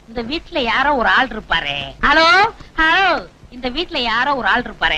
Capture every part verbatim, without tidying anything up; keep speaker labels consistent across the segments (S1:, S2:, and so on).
S1: இந்த வீட்டுல யாரோ ஒரு ஆள் இருப்பாரு. ஹலோ ஹலோ, இந்த வீட்டுல யாரோ ஒரு ஆள் இருப்பாரு.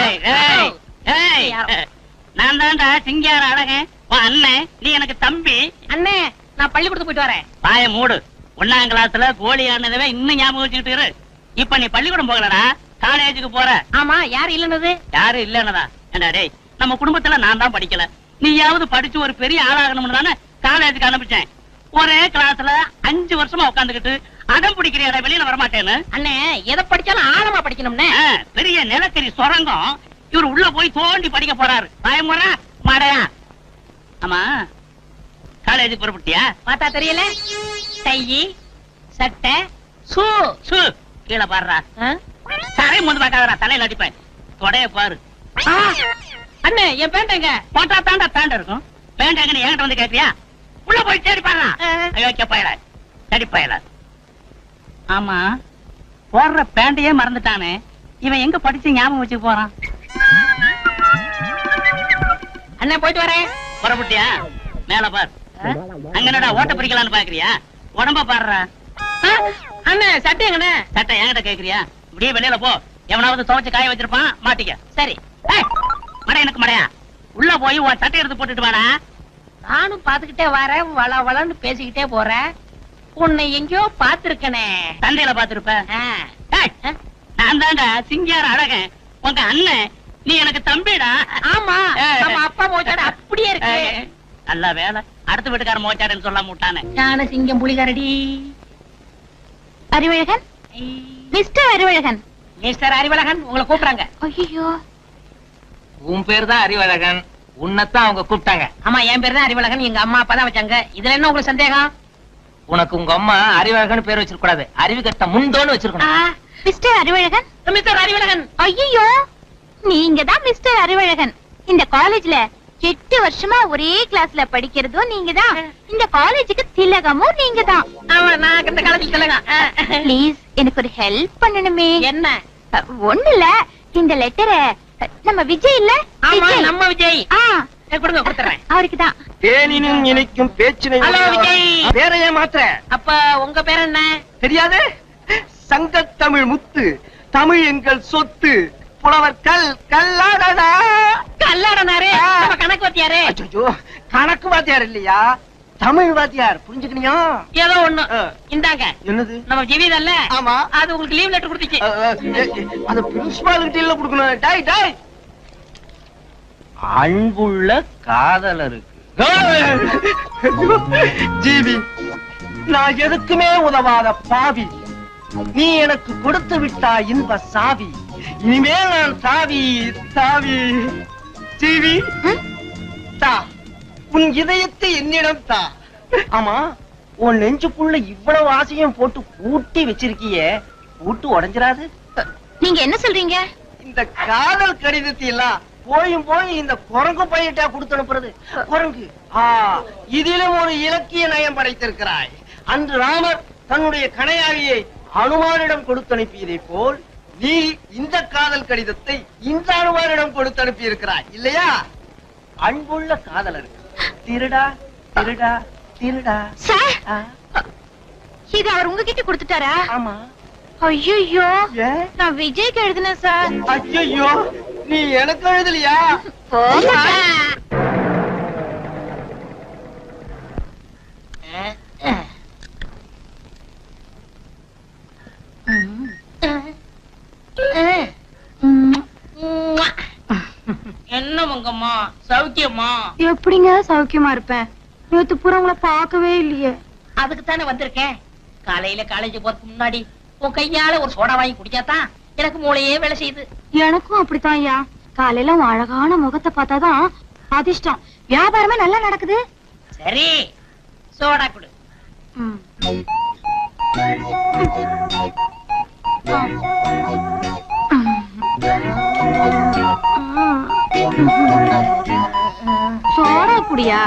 S2: நான் தான்டா சிங்கார அழகன் அண்ணன், நீ எனக்கு தம்பி.
S1: அண்ணே, நான் பள்ளிக்கூடத்துக்கு போயிட்டு வரேன்.
S2: பாய மூடு. ஒன்னாம் கிளாஸ்ல கோழி ஆனதவே இன்னும் ஞாபகம் வச்சுக்கிட்டு இரு. இப்ப நீ பள்ளிக்கூடம் போகலடா, காலேஜுக்கு போற.
S1: ஆமா, யாரு இல்லன்னது?
S2: யாரு இல்லன்னதா? ஏண்டா டேய், நம்ம குடும்பத்துல நான் தான் படிக்கல, நீயாவது படிச்சு ஒரு பெரிய ஆளாகணும்னு தானே காலேஜுக்கு அனுப்பிச்சேன். ஒரே கிளாஸ்ல அஞ்சு வருஷமா உட்காந்துக்கிட்டு அடம் பிடிக்கிற வெளியில வரமாட்டேன்னு.
S1: அண்ணே, எதை படிச்சாலும் ஆழமா படிக்கணும்னே.
S2: பெரிய நிலக்கரி சுரங்கம் இவர் உள்ள போய் தோண்டி படிக்க போறாரு. பயமுறா மாடையா? ஆமா, காலேஜுக்கு புறப்பட்டியா?
S1: பார்த்தா தெரியல. டை, சட்டை, சூ
S2: சூ கீழே பாடுறா. சரை முந்து பார்க்காதரா, தலையில அடிப்பேன். தொடைய பாரு.
S1: அண்ணே, என் பேண்டங்க
S2: போட்டா தாண்டா பேண்ட் இருக்கும். பேண்ட் என்கிட்ட வந்து கேட்கிறியா? உள்ள போய் தேடி பாருடா. ஐயோ பயல, தேடி பயல. ஆமா, போடுற பேண்டையே மறந்துட்டானே இவன், எங்க படிச்சு ஞாபகம் வச்சு போறான்?
S1: அண்ணே, போயிட்டு வரேன்.
S2: புறப்பட்டியா? மேல பார். அங்கனடா ஓட்ட பிரிக்கலான்னு பாக்குறியா? உடம்ப பாடுறா.
S1: அண்ணே, சட்டை எங்கண்ணே?
S2: சட்டை என்கிட்ட கேக்குறியா? இப்படியே வெளியில போ, எவனாவது துவைச்சு காய வச்சிருப்பான், மாட்டிக்க.
S1: சரி.
S2: மடை எனக்கு மடையா, உள்ள போய் உன் சட்டை எடுத்து போட்டுட்டு வாடா.
S1: நானும் பாத்துக்கிட்டே வரேன், வள வளன்னு பேசிக்கிட்டே போறேன். உன்னை எங்கயோ பாத்துருக்கனே.
S2: சந்தையில பாத்துருப்ப. நான் தான்டா சிங்கார அழகன் உங்க அண்ணன், நீ எனக்கு தம்பிடா.
S1: ஆமா, நம்ம அப்பா மோச்சாடு அப்படியே இருக்கு.
S2: நல்ல வேலை, அடுத்த வீட்டுக்கார மோச்சாடுன்னு சொல்லாம விட்டானே.
S1: ஞான சிங்கம் புலிகரடி.
S3: அறிவழகன், மிஸ்டர் அறிவழகன்.
S1: மிஸ்டர் அறிவழகன் உங்களை கூப்பிடுறாங்க.
S3: ஐயோ,
S4: உன் பேர் தான் அறிவழகன், உன்னைத்தான் அவங்க கூப்பிட்டாங்க.
S1: ஆமா, என் பேர் தான் அறிவழகன், எங்க அம்மா அப்பா தான் வச்சாங்க. இதுல என்ன உங்களுக்கு சந்தேகம்?
S4: உனக்கு உங்க அம்மா அறிவழகன் பேர் வச்சிருக்க கூடாது, அறிவு கட்ட முந்தோன்னு வச்சிருக்கணும்.
S3: மிஸ்டர் அறிவழகன்.
S1: மிஸ்டர் அறிவழகன்.
S3: ஐயோ, நீங்க தான் மிஸ்டர் அறிவழகன். இந்த காலேஜ்ல எட்டு வருஷமா ஒரே கிளாஸ்ல படிக்கிறதும் நீங்க தான், இந்த காலேஜுக்கு திலகமும் நீங்க தான்.
S1: ஆமா, நான் இந்த காலேஜ்ல திலகம்.
S3: ப்ளீஸ், எனக்கு ஒரு ஹெல்ப் பண்ணணுமே.
S1: என்ன?
S3: ஒண்ணு இல்ல, இந்த லெட்டரை நம்ம விஜய் இல்ல?
S1: ஆமா, நம்ம விஜய்.
S3: ஆ,
S1: கொடுங்க, கொடுத்துறேன்.
S3: அவருக்கு தான்.
S5: தேனினும் இனிக்கும் பேச்சினை.
S1: ஹலோ விஜய்.
S5: பேரையே மாத்திர.
S1: அப்ப உங்க பேர் என்ன?
S5: தெரியாது? சங்கத்தமிழ் முத்து, தமிழ் எங்கள் சொத்து, புலவர் கல் கல்லாடனா.
S1: கல்லாடனாரு நம்ம கணக்கு வாத்தியாரு.
S5: அச்சோ, கணக்கு வாத்தியார் இல்லையா, தமிழ் வாத்தியார். புரிஞ்சுக்கணியா?
S1: ஏதோ ஒண்ணு. இந்தாங்க.
S5: என்னது?
S1: நம்ம ஜீவிதல்ல?
S5: ஆமா.
S1: அது உங்களுக்கு லீவ் லெட்டர் கொடுத்துச்சு.
S5: அது பிரின்சிபால் கிட்ட இல்ல கொடுக்கணும். டாய் டாய். அன்புள்ள காதலருக்கு. ஜீவி, நான் எதுக்குமே உதவாத பாவி, நீ எனக்கு கொடுத்து விட்டா இன்ப சாவி, இனிமேல் நான் தாவி தாவி. ஜீவி, தா உன் இதயத்தை என்னிடம் தா. ஆமா, உன் நெஞ்சுக்குள்ள இவ்வளவு ஆசையும் போட்டு பூட்டி வச்சிருக்கியே, பூட்டு உடைஞ்சிராது?
S3: நீங்க என்ன சொல்றீங்க?
S5: இந்த காதல் கடிதத்தை எல்லாம் போயும் போய் இந்த குரங்கு பையிட்டா கொடுத்து அனுப்புறது. குரங்கு, ஆ, இதிலும் ஒரு இலக்கிய நயம் படைத்திருக்கிறாய். அன்று ராமர் தன்னுடைய கணையாழியை அனுமானிடம் கொடுத்து அனுப்பியதை போல் நீ இந்த காதல் கடிதத்தை இந்த அனுமானிடம் கொடுத்து அனுப்பி இருக்கிறாய் இல்லையா? அன்புள்ள காதலருக்கு. திருடா திருடா திருடா.
S3: சார், இது அவர் உங்ககிட்ட கொடுத்துட்டாரா?
S5: ஆமா.
S3: ஐயோ, நான் விஜய்க்கு எழுதினேன் சார்.
S5: ஐயோ, நீ எனக்கு எழுதலையா?
S1: என்ன உங்கம்மா, சௌக்கியமா?
S3: எப்படிங்க சௌக்கியமா இருப்பேன்? நேத்து பூரா உங்களை பார்க்கவே இல்லையே.
S1: அதுக்கு தானே வந்திருக்கேன். காலையில காலேஜ் போறதுக்கு முன்னாடி உன் கையால ஒரு சோடா வாங்கி குடிச்சாதான் எனக்கு மூளையே வேலை செய்யுது.
S3: எனக்கும் அப்படித்தான் ஐயா. காலையில உன் அழகான முகத்தை பார்த்தாதான் அதிர்ஷ்டம், வியாபாரமே நல்லா நடக்குது.
S1: சரி, சோடா குடு.
S3: சோடா குடியா?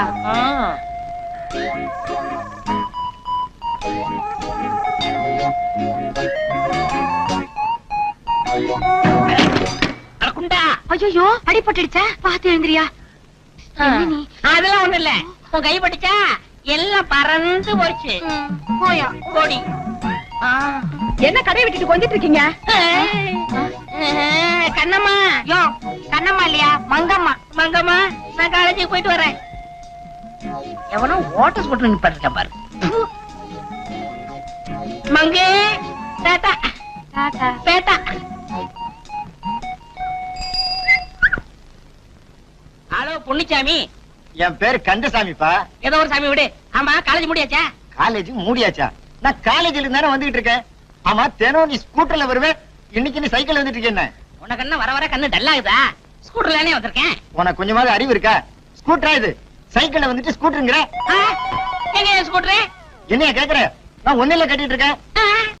S3: ஐயோ, அடிபட்டுடுச்சா? பாத்து எழுந்திரியா.
S1: அதெல்லாம் ஒண்ணு இல்ல, உன் கை பட்டுச்சா எல்லாம் பறந்து போச்சு.
S3: போயா
S1: கோடி.
S3: என்ன கடையை விட்டுட்டு கொஞ்சிட்டு இருக்கீங்க?
S1: கண்ணம்மா
S3: யோ, கண்ணம்மா இல்லையா, மங்கம்மா.
S1: மங்கம்மா நான் காலேஜுக்கு போயிட்டு வரேன். எவனோ ஓட்ட ஸ்கூட்டர் நிப்பாட்டிருக்கேன் பாரு. மங்கே டாடா
S3: டாடா.
S1: பேட்டா. ஹலோ பொன்னிச்சாமி.
S5: என் பேரு கந்தசாமிப்பா.
S1: ஏதோ ஒரு சாமி விடு. ஆமா காலேஜ் முடியாச்சா?
S5: காலேஜ் மூடியாச்சா? நான் காலேஜ்ல இருந்தானே வந்துகிட்டு இருக்கேன். ஆமா, தினம் நீ ஸ்கூட்டர்ல வருவேன், இன்னைக்கு நீ சைக்கிள் வந்துட்டு இருக்கேன்.
S1: உனக்கு என்ன வர வர கண்ணு டல்லாகுதா? ஸ்கூட்டர்லனே வந்திருக்கேன்.
S5: உனக்கு கொஞ்சமாவது அறிவு இருக்கா? ஸ்கூட்டரா இது? சைக்கிள்ல வந்துட்டு ஸ்கூட்டருங்கிற?
S1: எங்க ஸ்கூட்டரு?
S5: என்னைய கேக்குற? நான் ஒன்னில கட்டிட்டு இருக்கேன்.